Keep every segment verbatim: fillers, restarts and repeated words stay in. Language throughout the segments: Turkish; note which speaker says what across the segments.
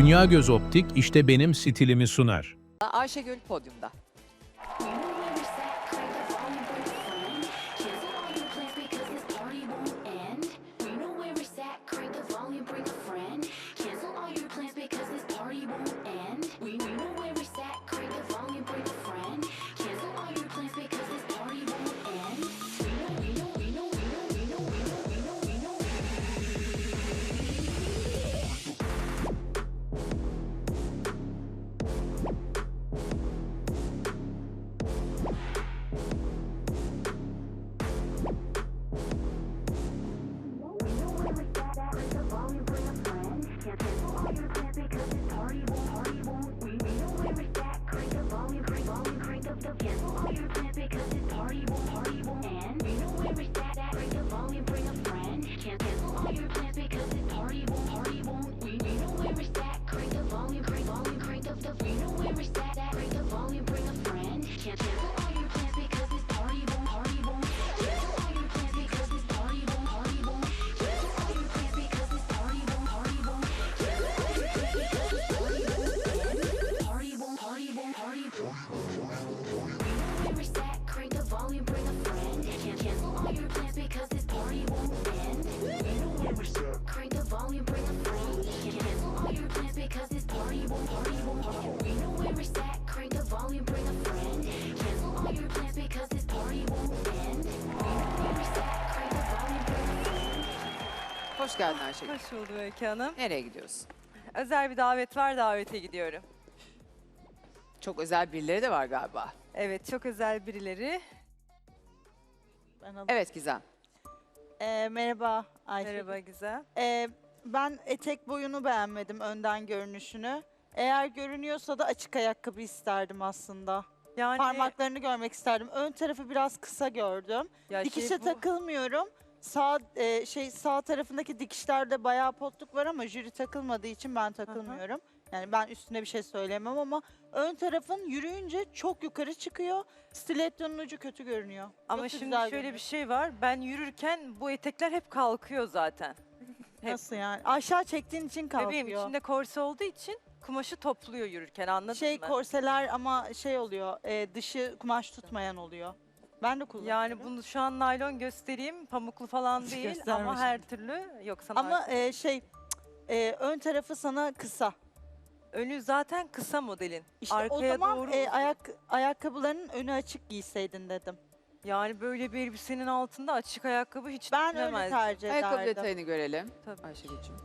Speaker 1: Dünya Göz Optik işte benim stilimi sunar.
Speaker 2: Ayşegül podyumda. Hoş geldin Ayşegül.
Speaker 3: Hoş bulduk Öykü Hanım.
Speaker 2: Nereye gidiyorsun?
Speaker 3: Özel bir davet var, davete gidiyorum.
Speaker 2: Çok özel birileri de var galiba.
Speaker 3: Evet, çok özel birileri.
Speaker 4: Ben alayım.
Speaker 2: Evet Gizem.
Speaker 4: Ee, merhaba Ayşe.
Speaker 3: Merhaba Güzel.
Speaker 4: Ee, ben etek boyunu beğenmedim, önden görünüşünü. Eğer görünüyorsa da açık ayakkabı isterdim aslında.
Speaker 3: Yani
Speaker 4: Parmaklarını görmek isterdim. Ön tarafı biraz kısa gördüm.
Speaker 3: ya
Speaker 4: Dikişe
Speaker 3: şey bu-
Speaker 4: takılmıyorum. Sağ e, şey sağ tarafındaki dikişlerde bayağı potluk var ama jüri takılmadığı için ben takılmıyorum. Yani ben üstüne bir şey söyleyemem ama ön tarafın yürüyünce çok yukarı çıkıyor. Stilettonun ucu kötü görünüyor.
Speaker 3: Ama
Speaker 4: Yoksa
Speaker 3: şimdi
Speaker 4: güzel
Speaker 3: şöyle
Speaker 4: görünüyor.
Speaker 3: bir şey var. Ben yürürken bu etekler hep kalkıyor zaten. hep.
Speaker 4: Nasıl yani? Aşağı çektiğin için kalkıyor.
Speaker 3: Bebeğim içinde korse olduğu için kumaşı topluyor yürürken, anladın
Speaker 4: Şey
Speaker 3: mı?
Speaker 4: korseler ama şey oluyor, e, dışı kumaş tutmayan oluyor. Ben de kullanıyorum.
Speaker 3: Yani bunu şu an naylon göstereyim, pamuklu falan değil
Speaker 4: Gösterme
Speaker 3: ama her türlü yok sana.
Speaker 4: ama e, şey e, ön tarafı sana kısa.
Speaker 3: önü zaten kısa modelin.
Speaker 4: İşte
Speaker 3: Arkaya
Speaker 4: o zaman
Speaker 3: doğru
Speaker 4: e,
Speaker 3: uzun.
Speaker 4: ayak ayakkabılarının önü açık giyseydin dedim.
Speaker 3: Yani böyle bir elbisenin altında açık ayakkabı hiç
Speaker 4: Ben öyle
Speaker 3: düşünemezdim.
Speaker 4: tercih
Speaker 2: Ayakkabı
Speaker 4: ederdim.
Speaker 2: detayını görelim.
Speaker 3: Tabii.
Speaker 2: Ayşegül'cüğüm.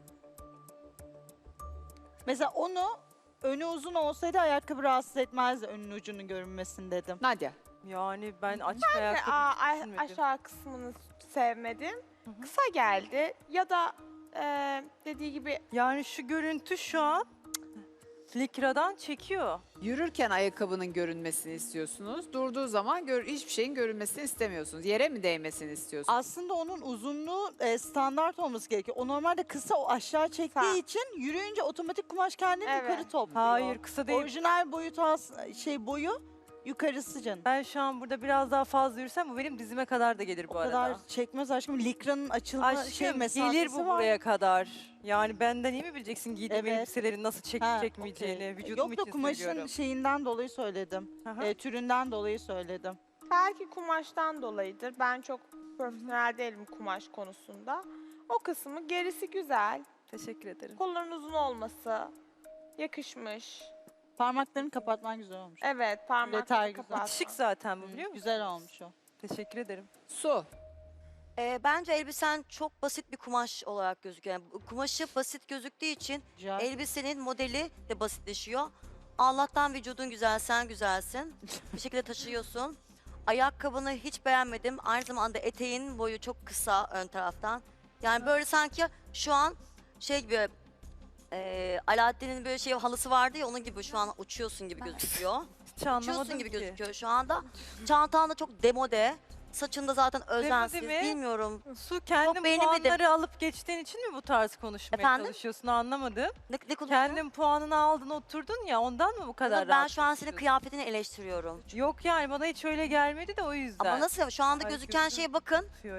Speaker 4: Mesela onu önü uzun olsaydı ayakkabı rahatsız etmezdi önün ucunun görünmesini dedim.
Speaker 2: Nadia.
Speaker 3: Yani ben açık
Speaker 5: Ve
Speaker 3: ayakkabı
Speaker 5: aa,
Speaker 3: hiç
Speaker 5: ay-
Speaker 3: düşünmedim.
Speaker 5: aşağı kısmını sevmedim.
Speaker 3: Hı hı.
Speaker 5: Kısa geldi ya da e, dediği gibi
Speaker 3: Yani şu görüntü şu an Likra'dan çekiyor.
Speaker 2: Yürürken ayakkabının görünmesini istiyorsunuz. Durduğu zaman gör, hiçbir şeyin görünmesini istemiyorsunuz. Yere mi değmesini istiyorsunuz?
Speaker 4: Aslında onun uzunluğu e, standart olması gerekiyor. O normalde kısa, o aşağı çektiği
Speaker 5: Kısa.
Speaker 4: için yürüyünce otomatik kumaş kendini
Speaker 5: Evet.
Speaker 4: yukarı topluyor.
Speaker 3: Hayır, kısa değil.
Speaker 4: Orijinal boyut as- şey boyu yukarısı canım.
Speaker 3: Ben şu an burada biraz daha fazla yürüsem bu benim dizime kadar da gelir bu
Speaker 4: O
Speaker 3: arada.
Speaker 4: kadar çekmez aşkım. Likranın açılma
Speaker 3: Aşkım
Speaker 4: şey mesafesi
Speaker 3: gelir bu
Speaker 4: var.
Speaker 3: buraya kadar. Yani benden iyi mi bileceksin giydiğim
Speaker 4: Evet.
Speaker 3: elbiselerin nasıl çekip
Speaker 4: Ha,
Speaker 3: çekmeyeceğini,
Speaker 4: okey.
Speaker 3: vücudum
Speaker 4: Yok da
Speaker 3: için
Speaker 4: kumaşın
Speaker 3: söylüyorum.
Speaker 4: şeyinden dolayı söyledim.
Speaker 3: Aha.
Speaker 4: E, türünden dolayı söyledim.
Speaker 5: belki kumaştan dolayıdır. Ben çok profesyonel değilim kumaş konusunda. O kısmı gerisi güzel.
Speaker 3: Teşekkür ederim.
Speaker 5: Kolların uzun olması yakışmış.
Speaker 4: Parmaklarını kapatman güzel olmuş.
Speaker 5: Evet
Speaker 4: Detay
Speaker 5: parmakları
Speaker 4: güzel.
Speaker 5: kapatma.
Speaker 3: Şık zaten bu, biliyor musun?
Speaker 4: Güzel olmuş o.
Speaker 3: Teşekkür ederim.
Speaker 2: Su.
Speaker 6: Ee, bence elbisen çok basit bir kumaş olarak gözüküyor. Yani bu kumaşı basit gözüktüğü için
Speaker 4: Güzel.
Speaker 6: elbisenin modeli de basitleşiyor. Allah'tan vücudun güzel, sen güzelsin. Bir şekilde taşıyorsun. Ayakkabını hiç beğenmedim. Aynı zamanda eteğin boyu çok kısa ön taraftan. Yani böyle sanki şu an şey gibi e, Alaaddin'in böyle şey halısı vardı ya, onun gibi şu an uçuyorsun gibi gözüküyor.
Speaker 3: Hiç anlamadım
Speaker 6: Uçuyorsun gibi
Speaker 3: ki.
Speaker 6: gözüküyor şu anda. Çantan da çok demode. Saçında zaten özensiz,
Speaker 3: mi?
Speaker 6: bilmiyorum.
Speaker 3: Su kendin
Speaker 6: beğenemedim.
Speaker 3: puanları alıp geçtiğin için mi bu tarz konuşmaya
Speaker 6: Efendim?
Speaker 3: çalışıyorsun, anlamadım.
Speaker 6: Ne, ne konuştun?
Speaker 3: Kendin puanını aldın, oturdun ya, ondan mı bu kadar
Speaker 6: Ama ben
Speaker 3: rahat
Speaker 6: şu an senin
Speaker 3: konuşuyorsun?
Speaker 6: kıyafetini eleştiriyorum.
Speaker 3: Yok yani bana hiç öyle gelmedi de o yüzden.
Speaker 6: Ama nasıl? Şu anda
Speaker 3: Ay,
Speaker 6: gözüken
Speaker 3: gözüm
Speaker 6: şeye bakın.
Speaker 3: tutuyor ya.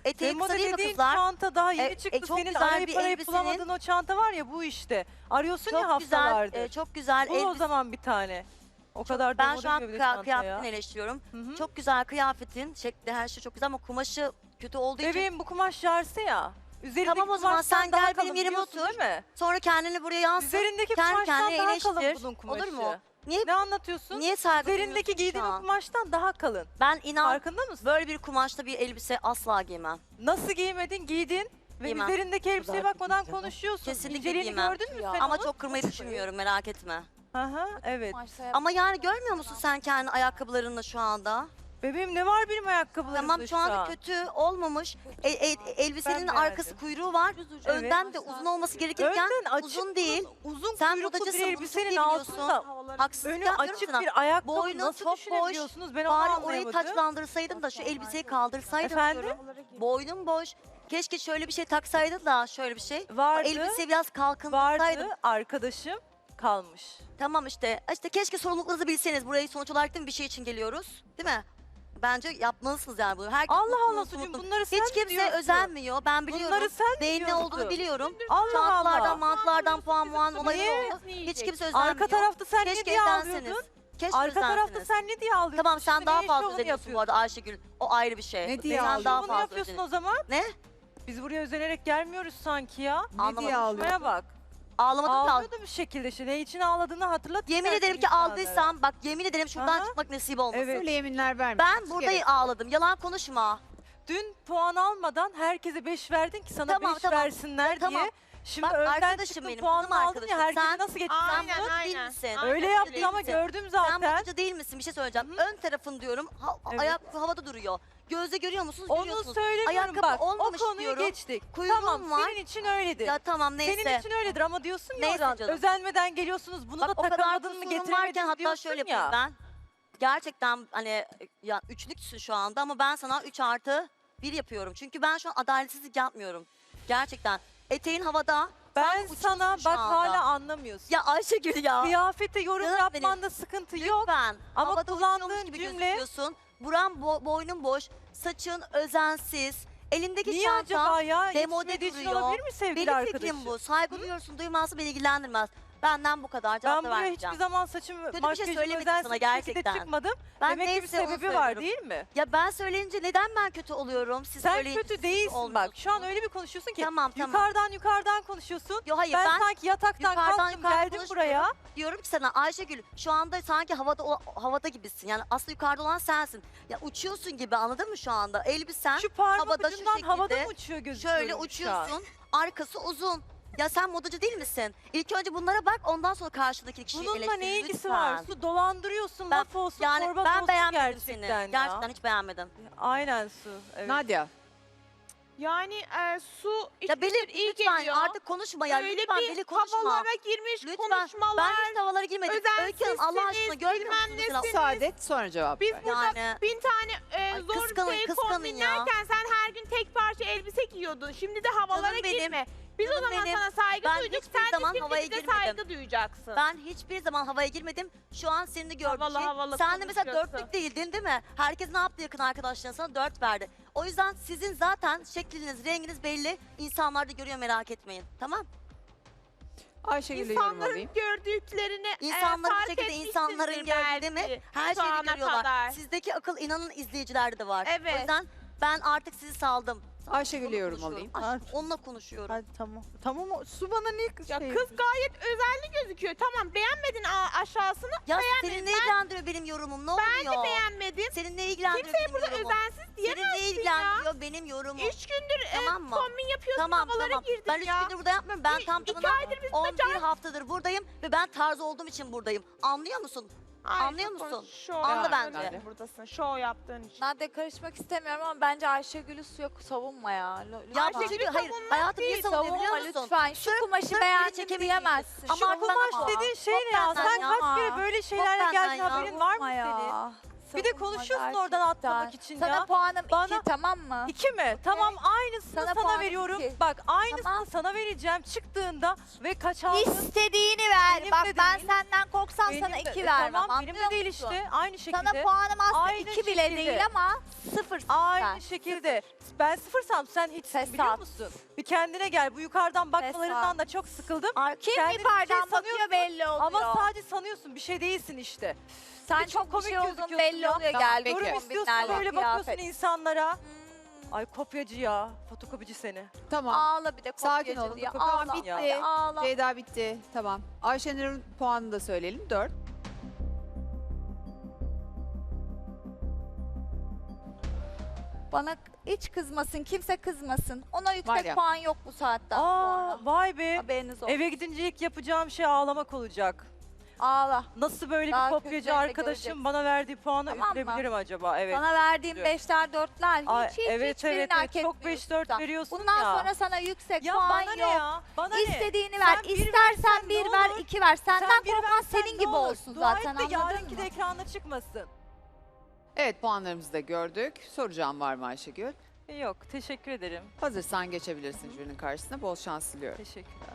Speaker 6: Eteği
Speaker 3: Ve moda
Speaker 6: kısa değil mi
Speaker 3: dediğin
Speaker 6: kızlar?
Speaker 3: çanta daha yeni
Speaker 6: E, e,
Speaker 3: çıktı.
Speaker 6: çok
Speaker 3: Senin
Speaker 6: güzel
Speaker 3: arayıp
Speaker 6: bir
Speaker 3: arayıp
Speaker 6: elbisenin-
Speaker 3: bulamadığın o çanta var ya bu işte. Arıyorsun ya
Speaker 6: Çok güzel,
Speaker 3: haftalardır.
Speaker 6: e, çok güzel
Speaker 3: Bul o
Speaker 6: elbise.
Speaker 3: zaman bir tane. O kadar
Speaker 6: Ben
Speaker 3: demode
Speaker 6: şu an
Speaker 3: gibi bir
Speaker 6: kıya-
Speaker 3: çanta ya.
Speaker 6: kıyafetini eleştiriyorum.
Speaker 3: Hı hı.
Speaker 6: Çok güzel kıyafetin, şekli her şey çok güzel ama kumaşı kötü olduğu için.
Speaker 3: Bebeğim bu kumaş jarsı ya. Üzerindeki
Speaker 6: Tamam o zaman
Speaker 3: kumaştan
Speaker 6: sen
Speaker 3: daha
Speaker 6: gel benim
Speaker 3: kalın
Speaker 6: yerime
Speaker 3: biliyorsun
Speaker 6: otur.
Speaker 3: değil mi?
Speaker 6: Sonra kendini buraya yansıt.
Speaker 3: Üzerindeki
Speaker 6: Kendi
Speaker 3: kumaştan
Speaker 6: kendine
Speaker 3: daha
Speaker 6: eleştir.
Speaker 3: kalın bunun kumaşı.
Speaker 6: Olur mu? Niye
Speaker 3: Ne anlatıyorsun?
Speaker 6: niye saygı
Speaker 3: Üzerindeki
Speaker 6: duymuyorsun
Speaker 3: giydiğin
Speaker 6: şu
Speaker 3: o
Speaker 6: an?
Speaker 3: kumaştan daha kalın.
Speaker 6: Ben inan
Speaker 3: Farkında mısın?
Speaker 6: böyle bir kumaşta bir elbise asla giymem.
Speaker 3: Nasıl giymedin? Giydin. Ve
Speaker 6: Giymem.
Speaker 3: üzerindeki elbiseye
Speaker 4: kadar
Speaker 3: bakmadan
Speaker 4: giyeceğim.
Speaker 3: konuşuyorsun.
Speaker 6: Kesinlikle
Speaker 3: İnceliğini
Speaker 6: giymem.
Speaker 3: gördün mü
Speaker 7: Ya.
Speaker 3: sen
Speaker 6: Ama
Speaker 3: onun?
Speaker 6: çok kırmayı düşünmüyorum merak etme.
Speaker 3: Aha, evet.
Speaker 6: Ama yani görmüyor musun sen kendi ayakkabılarınla şu anda?
Speaker 3: Bebeğim ne var benim ayakkabılarımda
Speaker 6: Tamam şu anda kötü olmamış. E, e, elbisenin
Speaker 3: Ben
Speaker 6: arkası
Speaker 3: beğendim.
Speaker 6: kuyruğu var. Önden de uzun olması gerekirken
Speaker 3: Önden açık
Speaker 6: uzun değil.
Speaker 3: Uzun
Speaker 6: Sen
Speaker 3: kuyruklu
Speaker 6: modacısın,
Speaker 3: bir
Speaker 6: bunu çok
Speaker 3: elbisenin
Speaker 6: iyi biliyorsun.
Speaker 3: altında
Speaker 6: Haksızlık
Speaker 3: önü
Speaker 6: yapmıyorum
Speaker 3: açık
Speaker 6: sana.
Speaker 3: bir ayakkabı
Speaker 6: Boynun
Speaker 3: nasıl
Speaker 6: çok boş.
Speaker 3: düşünebiliyorsunuz? Ben onu
Speaker 6: Bari orayı
Speaker 3: anlayamadım.
Speaker 6: taçlandırsaydın da şu elbiseyi kaldırsaydım
Speaker 3: Efendim?
Speaker 6: diyorum. Boynun boş. Keşke şöyle bir şey taksaydın da şöyle bir şey. O
Speaker 3: Vardı,
Speaker 6: elbiseyi biraz kalkındırsaydın.
Speaker 3: vardı arkadaşım kalmış.
Speaker 6: Tamam işte. İşte keşke sorumluluklarınızı bilseniz. Burayı sonuç olarak değil mi bir şey için geliyoruz. Değil mi? Bence yapmalısınız yani bunu. Herkes
Speaker 3: Allah
Speaker 6: mutlu,
Speaker 3: Allah
Speaker 6: mutlu,
Speaker 3: sucum
Speaker 6: mutlu.
Speaker 3: bunları sen
Speaker 6: Hiç
Speaker 3: mi
Speaker 6: kimse
Speaker 3: diyorsun?
Speaker 6: özenmiyor. Ben biliyorum.
Speaker 3: Bunları sen mi
Speaker 6: Neyin ne
Speaker 3: diyorsun?
Speaker 6: olduğunu biliyorum.
Speaker 3: Allah
Speaker 6: Çantalardan,
Speaker 3: Allah.
Speaker 6: mantlardan puan muan olayı
Speaker 3: Niye?
Speaker 6: oldu. Hiç kimse özenmiyor.
Speaker 3: Arka tarafta sen ne
Speaker 6: Keşke
Speaker 3: diye
Speaker 6: özenseniz.
Speaker 3: ağlıyordun?
Speaker 6: Keşke
Speaker 3: Arka tarafta
Speaker 6: özenseniz.
Speaker 3: sen ne diye ağlıyordun?
Speaker 6: Tamam sen
Speaker 3: Şimdi
Speaker 6: daha
Speaker 3: neyin
Speaker 6: fazla
Speaker 3: şovunu
Speaker 6: özeniyorsun bu
Speaker 3: yapıyorsun?
Speaker 6: arada Ayşegül. O ayrı bir şey.
Speaker 2: Ne diye
Speaker 6: Sen
Speaker 2: ağlıyorsun?
Speaker 6: daha
Speaker 3: Şovunu
Speaker 6: fazla
Speaker 3: yapıyorsun o
Speaker 6: özeniyorsun.
Speaker 3: zaman.
Speaker 6: Ne?
Speaker 3: Biz buraya özenerek gelmiyoruz sanki ya.
Speaker 6: Anlamadım.
Speaker 2: diye ağlıyorsun?
Speaker 3: Şuraya bak.
Speaker 6: Ağlamadım da.
Speaker 3: Ağlıyordu bir şekilde. Işte ne için ağladığını hatırlat.
Speaker 6: Yemin
Speaker 3: istersen
Speaker 6: ederim ki
Speaker 3: insanlara.
Speaker 6: aldıysam bak yemin ederim şuradan
Speaker 3: Aha.
Speaker 6: çıkmak nasip olmasın.
Speaker 3: Evet.
Speaker 2: Öyle yeminler verme.
Speaker 6: Ben burada ağladım. Yalan konuşma.
Speaker 3: Dün puan almadan herkese beş verdin ki sana
Speaker 6: Tamam,
Speaker 3: beş
Speaker 6: tamam.
Speaker 3: versinler
Speaker 6: Tamam.
Speaker 3: diye. Şimdi
Speaker 6: Bak,
Speaker 3: önden
Speaker 6: arkadaşım
Speaker 3: çıktın
Speaker 6: benim,
Speaker 3: puanını
Speaker 6: canım
Speaker 3: aldın ya
Speaker 6: arkadaşım.
Speaker 3: herkesi
Speaker 6: Sen-
Speaker 3: nasıl geçtin?
Speaker 6: Sen
Speaker 5: Aynen,
Speaker 6: modacı değil
Speaker 5: aynen.
Speaker 6: misin?
Speaker 5: Aynen.
Speaker 3: Öyle
Speaker 6: Modacı
Speaker 3: yaptın
Speaker 6: değil
Speaker 3: ama
Speaker 6: misin?
Speaker 3: gördüm
Speaker 6: Sen
Speaker 3: zaten.
Speaker 6: modacı değil misin? Bir şey söyleyeceğim. Ön tarafın diyorum. Ha,
Speaker 3: Evet.
Speaker 6: Ayak havada duruyor. Gözle görüyor musunuz?
Speaker 3: Onu
Speaker 6: Görüyorsunuz.
Speaker 3: söylemiyorum
Speaker 6: Ayakkabı
Speaker 3: bak. O
Speaker 6: olmamış
Speaker 3: konuyu
Speaker 6: diyorum.
Speaker 3: geçtik.
Speaker 6: Kuyruğum
Speaker 3: Tamam
Speaker 6: var.
Speaker 3: senin için öyledir.
Speaker 6: Ya tamam neyse.
Speaker 3: Senin için öyledir ama diyorsun ya
Speaker 6: Neyse
Speaker 3: oradan
Speaker 6: canım.
Speaker 3: özenmeden geliyorsun bunu
Speaker 6: Bak
Speaker 3: da
Speaker 6: o kadar
Speaker 3: takamadın mı
Speaker 6: kusurum
Speaker 3: getiremedin
Speaker 6: varken hatta
Speaker 3: diyorsun
Speaker 6: şöyle
Speaker 3: ya.
Speaker 6: yapayım ben. Gerçekten hani ya üçlüksün şu anda ama ben sana üç artı bir yapıyorum. Çünkü ben şu an adaletsizlik yapmıyorum. Gerçekten. Eteğin havada.
Speaker 3: Ben
Speaker 6: sen uçuyorsun
Speaker 3: sana
Speaker 6: şu
Speaker 3: bak
Speaker 6: anda.
Speaker 3: hala anlamıyorsun.
Speaker 6: Ya Ayşegül ya.
Speaker 3: Kıyafete yorum
Speaker 6: Canım
Speaker 3: yapmanda sıkıntı yok.
Speaker 6: Lütfen.
Speaker 3: Ama
Speaker 6: Havada
Speaker 3: kullandığın
Speaker 6: uçuyormuş gibi
Speaker 3: cümle-
Speaker 6: gözüküyorsun. Buran bo- boynun boş. Saçın özensiz. Elindeki
Speaker 3: Niye
Speaker 6: çanta
Speaker 3: acaba ya?
Speaker 6: demode
Speaker 3: Yetişmediği için
Speaker 6: duruyor.
Speaker 3: olabilir mi sevgili
Speaker 6: Benim
Speaker 3: arkadaşım?
Speaker 6: fikrim bu. Saygı duyuyorsun, duymazsa beni ilgilendirmez. Benden bu kadar.
Speaker 3: Ben
Speaker 6: Cevap da
Speaker 3: buraya
Speaker 6: vermeyeceğim.
Speaker 3: hiçbir zaman saçımı,
Speaker 6: bir şey
Speaker 3: makyajımı
Speaker 6: söylemedim
Speaker 3: özensiz
Speaker 6: sana
Speaker 3: bir şekilde
Speaker 6: gerçekten.
Speaker 3: çıkmadım.
Speaker 6: Ben
Speaker 3: Demek ki bir
Speaker 6: neyse onu
Speaker 3: sebebi var
Speaker 6: söylüyorum.
Speaker 3: değil mi?
Speaker 6: Ya ben söyleyince neden ben kötü oluyorum? Siz
Speaker 3: Sen
Speaker 6: söyleyince
Speaker 3: kötü
Speaker 6: siz
Speaker 3: değilsin
Speaker 6: olmuyorsunuz.
Speaker 3: bak. Şu an öyle bir konuşuyorsun ki
Speaker 6: Tamam, tamam.
Speaker 3: yukarıdan yukarıdan konuşuyorsun.
Speaker 6: Yo hayır
Speaker 3: ben,
Speaker 6: ben,
Speaker 3: sanki yataktan
Speaker 6: yukarıdan
Speaker 3: kalktım
Speaker 6: yukarı
Speaker 3: geldim
Speaker 6: konuşmuyorum.
Speaker 3: buraya.
Speaker 6: diyorum ki sana Ayşegül şu anda sanki havada o- havada gibisin. Yani aslında yukarıda olan sensin. Ya uçuyorsun gibi anladın mı şu anda? Elbisen
Speaker 3: Şu parmak
Speaker 6: havada şu
Speaker 3: ucundan havada
Speaker 6: şekilde
Speaker 3: mı uçuyor gözüküyorum
Speaker 6: şöyle
Speaker 3: şu an?
Speaker 6: uçuyorsun. Arkası uzun. Ya sen modacı değil misin? İlk önce bunlara bak ondan sonra karşıdaki kişiyi
Speaker 3: Bununla
Speaker 6: eleştir
Speaker 3: ne ilgisi
Speaker 6: lütfen.
Speaker 3: var? Su dolandırıyorsun
Speaker 6: Ben-
Speaker 3: laf olsun
Speaker 6: Yani
Speaker 3: torba
Speaker 6: ben
Speaker 3: olsun
Speaker 6: beğenmedim
Speaker 3: gerçekten
Speaker 6: seni.
Speaker 3: ya.
Speaker 6: Gerçekten hiç beğenmedim.
Speaker 3: Aynen Su. Evet.
Speaker 2: Nadia.
Speaker 5: Yani e, su
Speaker 6: Ya
Speaker 5: içmiştir,
Speaker 6: Beli
Speaker 5: iyi
Speaker 6: lütfen
Speaker 5: geliyor.
Speaker 6: artık konuşma ya.
Speaker 5: Öyle
Speaker 6: lütfen
Speaker 5: bir
Speaker 6: Beli konuşma.
Speaker 5: havalara girmiş
Speaker 6: Lütfen.
Speaker 5: konuşmalar.
Speaker 6: Ben hiç havalara girmedim. Öykü Hanım Allah aşkına
Speaker 5: sizsiniz,
Speaker 6: görmüyor
Speaker 5: bilmem
Speaker 6: musunuz? mesela?
Speaker 5: nesiniz.
Speaker 2: Müsaade et sonra cevap
Speaker 5: Biz
Speaker 2: ver.
Speaker 5: burada
Speaker 6: Yani
Speaker 5: bin tane e,
Speaker 6: Ay,
Speaker 5: zor
Speaker 6: kıskanın,
Speaker 5: şey
Speaker 6: kıskanın
Speaker 5: kombinlerken sen her gün tek parça elbise giyiyordun. Şimdi de havalara
Speaker 6: Canım benim,
Speaker 5: girme. Biz o
Speaker 6: canım
Speaker 5: zaman
Speaker 6: benim.
Speaker 5: sana saygı
Speaker 6: Ben
Speaker 5: duyduk.
Speaker 6: hiçbir
Speaker 5: Sen
Speaker 6: zaman
Speaker 5: de
Speaker 6: havaya
Speaker 5: şimdi bize
Speaker 6: girmedim.
Speaker 5: saygı duyacaksın.
Speaker 6: ben hiçbir zaman havaya girmedim. Şu an seni gördüm.
Speaker 5: Havalı
Speaker 6: şey.
Speaker 5: havalı
Speaker 6: Sen de mesela
Speaker 5: konuşuyorsun.
Speaker 6: dörtlük değildin değil mi? Herkes ne yaptı yakın arkadaşların sana dört verdi. O yüzden sizin zaten şekliniz, renginiz belli. İnsanlar da görüyor merak etmeyin. Tamam?
Speaker 2: Ayşegül'e yorum
Speaker 5: İnsanların
Speaker 2: alayım.
Speaker 5: gördüklerini
Speaker 6: İnsanlar
Speaker 5: e,
Speaker 6: bir
Speaker 5: fark
Speaker 6: şekilde
Speaker 5: etmişsindir
Speaker 6: insanların gördüğü mi?
Speaker 5: belki
Speaker 6: Her
Speaker 5: şu
Speaker 6: şeyi
Speaker 5: ana
Speaker 6: görüyorlar.
Speaker 5: kadar.
Speaker 6: Sizdeki akıl inanın izleyicilerde de var.
Speaker 5: Evet.
Speaker 6: O yüzden ben artık sizi saldım.
Speaker 2: Ayşegül'e
Speaker 6: Onunla
Speaker 2: yorum
Speaker 6: konuşuyorum.
Speaker 2: alayım.
Speaker 6: Ay, onunla konuşuyorum.
Speaker 4: Hadi tamam. Tamam o- Su bana niye
Speaker 5: Ya
Speaker 4: şey...
Speaker 5: kız gayet özenli gözüküyor. Tamam beğenmedin a- aşağısını.
Speaker 6: Ya
Speaker 5: beğenmedim.
Speaker 6: seni ne
Speaker 5: Ben-
Speaker 6: ilgilendiriyor benim yorumum? Ne
Speaker 5: Ben
Speaker 6: oluyor?
Speaker 5: de beğenmedim.
Speaker 6: Seni ne ilgilendiriyor
Speaker 5: Kimseye
Speaker 6: benim
Speaker 5: burada
Speaker 6: yorumum?
Speaker 5: özensiz
Speaker 6: Seni ne
Speaker 5: diyemezsin ya.
Speaker 6: ilgilendiriyor benim yorumum?
Speaker 5: Üç gündür e,
Speaker 6: Tamam mı?
Speaker 5: kombin yapıyorsun
Speaker 6: Tamam
Speaker 5: havalara
Speaker 6: tamam.
Speaker 5: girdin
Speaker 6: Ben üç
Speaker 5: ya.
Speaker 6: gündür burada yapmıyorum. Ben
Speaker 5: İ-
Speaker 6: tam
Speaker 5: iki
Speaker 6: tamına
Speaker 5: aydır biz
Speaker 6: on bir haftadır buradayım ve ben tarz olduğum için buradayım. Anlıyor musun?
Speaker 5: Ay,
Speaker 6: Anlıyor
Speaker 5: çok
Speaker 6: musun?
Speaker 5: Şov
Speaker 6: Anla
Speaker 5: yaptığın
Speaker 6: bence.
Speaker 5: için buradasın. Şov yaptığın için.
Speaker 7: Nadia karışmak istemiyorum ama bence Ayşegül'ü suya savunma ya. Lo-
Speaker 6: Ya
Speaker 7: lütfen.
Speaker 6: çünkü hayır hayatım niye savunuyor biliyor
Speaker 7: savunma
Speaker 6: musun?
Speaker 7: lütfen. Şu
Speaker 6: Sırf-
Speaker 7: kumaşı
Speaker 6: sırf
Speaker 7: beğendim
Speaker 6: beni çekebilmek
Speaker 7: diyemezsin.
Speaker 6: Ama
Speaker 3: Şu
Speaker 6: artık
Speaker 3: kumaş
Speaker 6: ama.
Speaker 3: dediğin şey
Speaker 7: Çok
Speaker 3: ne ya?
Speaker 7: benden
Speaker 3: Sen
Speaker 7: ya.
Speaker 3: kaç kere böyle şeylerle
Speaker 6: benden
Speaker 3: geldin
Speaker 6: ya.
Speaker 3: haberin var mı
Speaker 7: Savunma
Speaker 3: senin?
Speaker 7: ya.
Speaker 3: Bir de
Speaker 7: savunma
Speaker 3: konuşuyorsun oradan atlamak
Speaker 7: gerçekten.
Speaker 3: için
Speaker 7: Sana
Speaker 3: ya.
Speaker 7: puanım
Speaker 3: Bana-
Speaker 7: iki, tamam mı?
Speaker 3: İki mi? Tamam, aynısını
Speaker 7: Sana
Speaker 3: sana,
Speaker 7: puanım
Speaker 3: veriyorum.
Speaker 7: iki.
Speaker 3: Bak, aynısını
Speaker 7: Tamam.
Speaker 3: sana vereceğim çıktığında ve kaç aldın?
Speaker 7: İstediğini ver.
Speaker 3: Benim
Speaker 7: Bak
Speaker 3: de
Speaker 7: ben
Speaker 3: değil.
Speaker 7: senden korksam
Speaker 3: Benim
Speaker 7: sana
Speaker 3: de-
Speaker 7: iki
Speaker 3: e,
Speaker 7: vermem.
Speaker 3: Tamam, benim de
Speaker 7: anlıyor
Speaker 3: değil
Speaker 7: musun?
Speaker 3: işte. Aynı şekilde.
Speaker 7: Sana puanım aslında
Speaker 3: Aynı
Speaker 7: iki bile
Speaker 3: şekilde.
Speaker 7: değil ama sıfırsın
Speaker 3: Aynı
Speaker 7: sen.
Speaker 3: şekilde. Ben sıfırsam sen hiç
Speaker 7: Fesat.
Speaker 3: biliyor musun? Bir kendine gel. Bu yukarıdan bakmalarından
Speaker 7: Fesat.
Speaker 3: da çok sıkıldım.
Speaker 7: Ay, Kim
Speaker 3: Kendini bir şey
Speaker 7: yukarıdan bakıyor
Speaker 3: sanıyorsun
Speaker 7: belli oluyor.
Speaker 3: Ama sadece sanıyorsun, bir şey değilsin işte.
Speaker 7: sen
Speaker 3: bir de çok
Speaker 7: çok bir
Speaker 3: komik
Speaker 7: şey olduğun
Speaker 3: gözüküyorsun
Speaker 7: belli
Speaker 3: ya.
Speaker 7: oluyor.
Speaker 2: Tamam,
Speaker 7: Gel
Speaker 2: peki.
Speaker 3: Yorum
Speaker 7: yorum
Speaker 3: istiyorsun,
Speaker 7: bitlerle
Speaker 3: böyle
Speaker 7: kıyafet.
Speaker 3: bakıyorsun insanlara.
Speaker 7: Hmm.
Speaker 3: Ay kopyacı ya, fotokopici seni.
Speaker 2: Tamam.
Speaker 7: Ağla bir de
Speaker 2: Sakin
Speaker 7: kopyacı
Speaker 2: olun.
Speaker 7: diye.
Speaker 3: Tamam
Speaker 7: Ağla,
Speaker 2: bitti.
Speaker 7: hadi ağla.
Speaker 2: Ceyda bitti. Tamam. Ayşenur'un puanını da söyleyelim. dört.
Speaker 7: Bana hiç kızmasın, kimse kızmasın. Ona
Speaker 2: Var
Speaker 7: yüksek
Speaker 2: ya.
Speaker 7: puan yok bu saatten
Speaker 3: Aa,
Speaker 7: sonra.
Speaker 3: vay be.
Speaker 7: Haberiniz olsun.
Speaker 3: Eve gidince ilk yapacağım şey ağlamak olacak.
Speaker 7: Ağla.
Speaker 3: Nasıl böyle
Speaker 7: Daha
Speaker 3: bir kopyacı
Speaker 7: kötülerini de
Speaker 3: arkadaşım
Speaker 7: göreceksin.
Speaker 3: bana verdiği puanı
Speaker 7: Tamam mı?
Speaker 3: üfleyebilirim acaba? Evet.
Speaker 7: Sana verdiğim
Speaker 3: Üzülüyorum.
Speaker 7: beşler, dörtler hiç
Speaker 3: Ay,
Speaker 7: hiç
Speaker 3: evet,
Speaker 7: hiçbirini
Speaker 3: evet,
Speaker 7: hak
Speaker 3: evet. Çok
Speaker 7: etmiyorsun
Speaker 3: beş dört
Speaker 7: da.
Speaker 3: veriyorsun
Speaker 7: Bundan
Speaker 3: ya.
Speaker 7: sonra sana yüksek
Speaker 3: Ya
Speaker 7: puan
Speaker 3: bana
Speaker 7: yok.
Speaker 3: ne ya? Bana ne?
Speaker 7: İstediğini ver.
Speaker 3: Sen bir
Speaker 7: İstersen
Speaker 3: versen
Speaker 7: bir
Speaker 3: ne
Speaker 7: ver,
Speaker 3: olur?
Speaker 7: iki ver. Senden
Speaker 3: Sen bir
Speaker 7: korkan
Speaker 3: versen
Speaker 7: senin
Speaker 3: ne
Speaker 7: gibi
Speaker 3: olur?
Speaker 7: olsun
Speaker 3: Dua
Speaker 7: zaten,
Speaker 3: et de
Speaker 7: anladın
Speaker 3: yarınki
Speaker 7: mı?
Speaker 3: de ekranda çıkmasın.
Speaker 2: Evet, puanlarımızı da gördük. Soracağım var mı Ayşegül?
Speaker 3: Yok, teşekkür ederim.
Speaker 2: Hazırsan geçebilirsin jürinin karşısına. Bol şans diliyorum.
Speaker 3: Teşekkürler.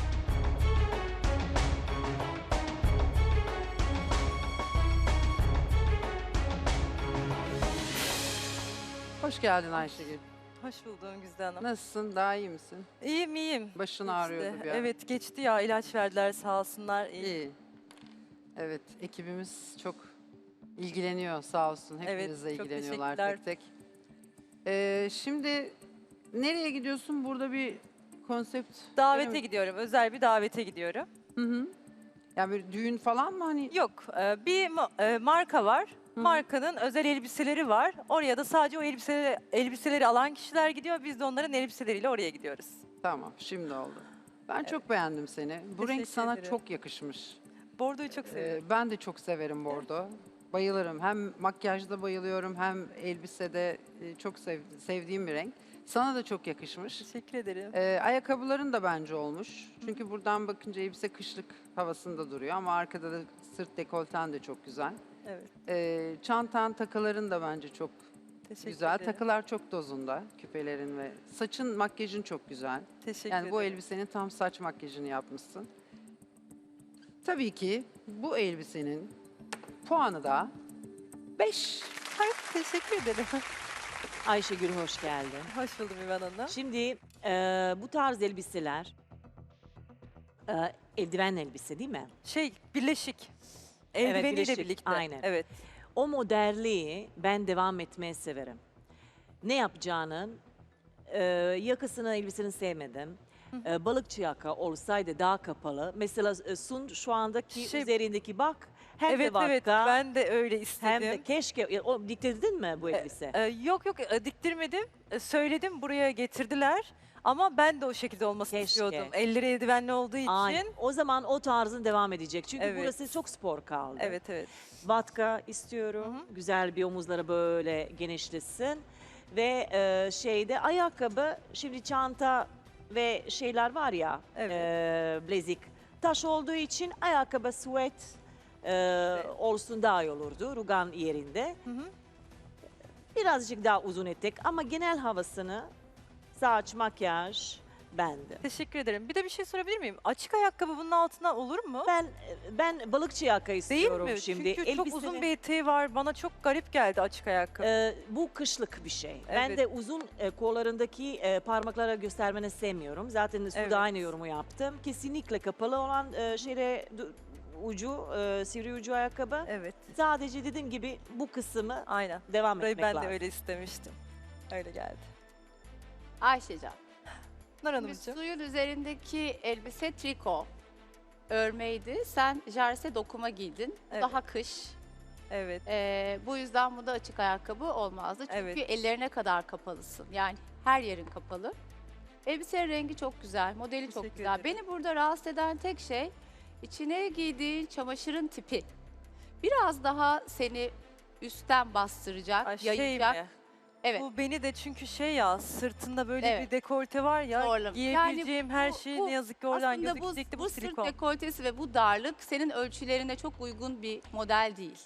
Speaker 8: Hoş geldin Ayşegül.
Speaker 3: Hoş buldum Güzde Hanım.
Speaker 8: Nasılsın? Daha iyi misin?
Speaker 3: İyiyim, iyiyim.
Speaker 8: Başın
Speaker 3: Geçti.
Speaker 8: ağrıyordu bir ara.
Speaker 3: Evet, geçti ya. İlaç verdiler sağ olsunlar. İyi.
Speaker 8: İyi. Evet, ekibimiz çok ilgileniyor sağ olsun.
Speaker 3: Evet,
Speaker 8: Hepinizle
Speaker 3: çok
Speaker 8: ilgileniyorlar
Speaker 3: teşekkürler.
Speaker 8: tek tek. Ee, şimdi nereye gidiyorsun? Burada bir konsept...
Speaker 3: Davete
Speaker 8: Benim-
Speaker 3: gidiyorum. Özel bir davete gidiyorum.
Speaker 8: Hı hı. Yani bir düğün falan mı hani?
Speaker 3: Yok, e, bir ma- e, marka var.
Speaker 8: Hı.
Speaker 3: Markanın özel elbiseleri var. Oraya da sadece o elbiseleri, elbiseleri alan kişiler gidiyor. Biz de onların elbiseleriyle oraya gidiyoruz.
Speaker 8: Tamam, şimdi oldu. Ben çok beğendim seni. Bu renk
Speaker 3: Teşekkür
Speaker 8: sana
Speaker 3: ederim.
Speaker 8: çok yakışmış.
Speaker 3: Bordoyu çok seviyorum.
Speaker 8: Ee, ben de çok severim bordo. Bayılırım. Hem makyajda bayılıyorum hem elbisede e, çok sev- sevdiğim bir renk. Sana da çok yakışmış.
Speaker 3: Teşekkür ederim.
Speaker 8: Ee, ayakkabıların da bence olmuş. Çünkü buradan bakınca elbise kışlık havasında duruyor ama arkada da sırt dekolten de çok güzel.
Speaker 3: Evet,
Speaker 8: Ee, çantan, takıların da bence çok
Speaker 3: teşekkür
Speaker 8: güzel.
Speaker 3: ederim.
Speaker 8: Takılar çok dozunda, küpelerin ve saçın, makyajın çok güzel.
Speaker 3: Teşekkür
Speaker 8: Yani bu
Speaker 3: ederim.
Speaker 8: elbisenin tam saç makyajını yapmışsın. Tabii ki bu elbisenin puanı da beş.
Speaker 3: Ay, teşekkür ederim.
Speaker 9: Ayşegül hoş geldin.
Speaker 3: Hoş buldum İvan Hanım.
Speaker 9: Şimdi e, bu tarz elbiseler e, eldiven elbise değil mi?
Speaker 3: Şey, birleşik. Eldiveniyle
Speaker 9: birleşik,
Speaker 3: birlikte.
Speaker 9: aynen.
Speaker 3: Evet.
Speaker 9: O modelliği ben devam etmeyi severim. Ne yapacağının e, yakasını elbiseni sevmedim. E, balıkçı yaka olsaydı daha kapalı. Mesela e, Sun şu andaki
Speaker 3: Şey-
Speaker 9: üzerindeki bak hem
Speaker 3: Evet
Speaker 9: de vakka
Speaker 3: evet, ben de öyle istedim.
Speaker 9: hem de keşke e, o diktirdin mi bu elbise?
Speaker 3: Ee, yok yok, e, diktirmedim. E, söyledim, buraya getirdiler. Ama ben de o şekilde olmasını
Speaker 9: Keşke.
Speaker 3: istiyordum. Elleri eldivenli olduğu için.
Speaker 9: Aynen. O zaman o tarzın devam edecek. Çünkü
Speaker 3: Evet.
Speaker 9: burası çok spor kaldı.
Speaker 3: Evet evet.
Speaker 9: Vatka istiyorum.
Speaker 3: Hı
Speaker 9: Güzel bir omuzları böyle genişlesin. Ve e, şeyde ayakkabı, şimdi çanta ve şeyler var ya,
Speaker 3: Evet.
Speaker 9: e, blazik. Taş olduğu için ayakkabı sweat e, olsun daha iyi olurdu rugan yerinde.
Speaker 3: Hı hı.
Speaker 9: Birazcık daha uzun etek ama genel havasını saç, makyaj bende.
Speaker 3: Teşekkür ederim. Bir de bir şey sorabilir miyim? Açık ayakkabı bunun altına olur mu?
Speaker 9: Ben ben balıkçı yaka
Speaker 3: Değil
Speaker 9: istiyorum
Speaker 3: mi?
Speaker 9: şimdi.
Speaker 3: Çünkü çok uzun
Speaker 9: Elbisenin-
Speaker 3: bir eteği var. Bana çok garip geldi açık ayakkabı.
Speaker 9: Ee, bu kışlık bir şey. Ben
Speaker 3: Evet.
Speaker 9: de uzun e, kollarındaki e, parmaklara göstermeni sevmiyorum. Zaten suda
Speaker 3: Evet.
Speaker 9: aynı yorumu yaptım. Kesinlikle kapalı olan e, şeyle du- ucu, e, sivri ucu ayakkabı.
Speaker 3: Evet.
Speaker 9: Sadece dediğim gibi bu kısmı
Speaker 3: Aynen.
Speaker 9: devam
Speaker 3: Burayı
Speaker 9: etmek
Speaker 3: ben
Speaker 9: lazım.
Speaker 3: de öyle istemiştim. Öyle geldi.
Speaker 10: Ayşecan,
Speaker 3: Nur
Speaker 10: bir
Speaker 3: Hanımcığım.
Speaker 10: suyun üzerindeki elbise triko örmeydi. Sen jarse dokuma giydin. Bu
Speaker 3: Evet.
Speaker 10: Daha kış.
Speaker 3: Evet.
Speaker 10: Ee, bu yüzden bu da açık ayakkabı olmazdı. Çünkü
Speaker 3: Evet.
Speaker 10: ellerine kadar kapalısın. Yani her yerin kapalı. Elbisenin rengi çok güzel, modeli çok
Speaker 3: Teşekkür
Speaker 10: güzel.
Speaker 3: ederim.
Speaker 10: Beni burada rahatsız eden tek şey içine giydiğin çamaşırın tipi. Biraz daha seni üstten bastıracak,
Speaker 3: Ay, şey
Speaker 10: yayacak.
Speaker 3: mi?
Speaker 10: Evet.
Speaker 3: Bu beni de çünkü şey ya, sırtında böyle
Speaker 10: Evet.
Speaker 3: bir dekolte var ya,
Speaker 10: Zorlama.
Speaker 3: giyebileceğim
Speaker 10: Yani
Speaker 3: her
Speaker 10: bu-
Speaker 3: şey
Speaker 10: bu
Speaker 3: ne yazık ki oradan
Speaker 10: Aslında bu,
Speaker 3: gözükecekti bu,
Speaker 10: bu sırt
Speaker 3: silikon.
Speaker 10: dekoltesi ve bu darlık senin ölçülerine çok uygun bir model değil.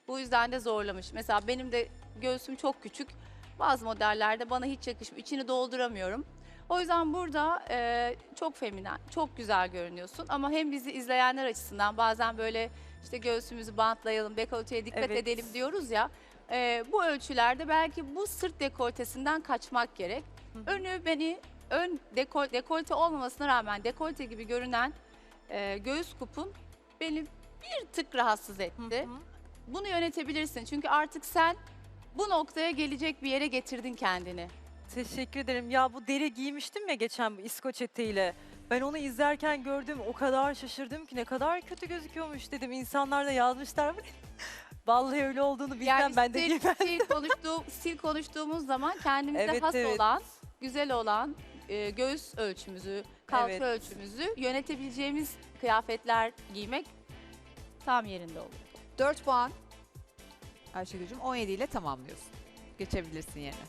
Speaker 10: Bu yüzden de zorlamış. Mesela benim de göğsüm çok küçük. Bazı modellerde bana hiç yakışmıyor. İçini dolduramıyorum. O yüzden burada e, çok feminen, çok güzel görünüyorsun. Ama hem bizi izleyenler açısından bazen böyle işte göğsümüzü bantlayalım, dekolteye dikkat
Speaker 3: Evet.
Speaker 10: edelim diyoruz ya. e, bu ölçülerde belki bu sırt dekoltesinden kaçmak gerek. Önü beni, ön dekol, dekolte olmamasına rağmen dekolte gibi görünen e, göğüs kupun beni bir tık rahatsız etti. Bunu yönetebilirsin çünkü artık sen bu noktaya gelecek bir yere getirdin kendini.
Speaker 3: Teşekkür ederim. Ya bu deri giymiştim ya geçen bu İskoç eteğiyle. Ben onu izlerken gördüm, o kadar şaşırdım ki ne kadar kötü gözüküyormuş dedim. İnsanlar da yazmışlar. Vallahi öyle olduğunu bilmem
Speaker 10: Yani
Speaker 3: ben de
Speaker 10: stil,
Speaker 3: giymem.
Speaker 10: stil, konuştuğum, stil konuştuğumuz zaman kendimize
Speaker 3: Evet,
Speaker 10: has
Speaker 3: evet.
Speaker 10: olan, güzel olan e, göğüs ölçümüzü, kalça
Speaker 3: Evet.
Speaker 10: ölçümüzü yönetebileceğimiz kıyafetler giymek tam yerinde olur.
Speaker 2: dört puan. Ayşegül'cüm on yedi ile tamamlıyorsun. Geçebilirsin yerine.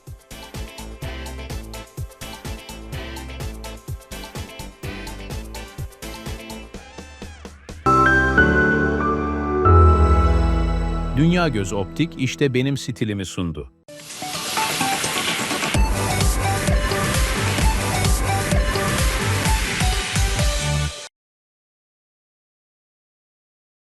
Speaker 1: Dünya Göz Optik işte benim stilimi sundu.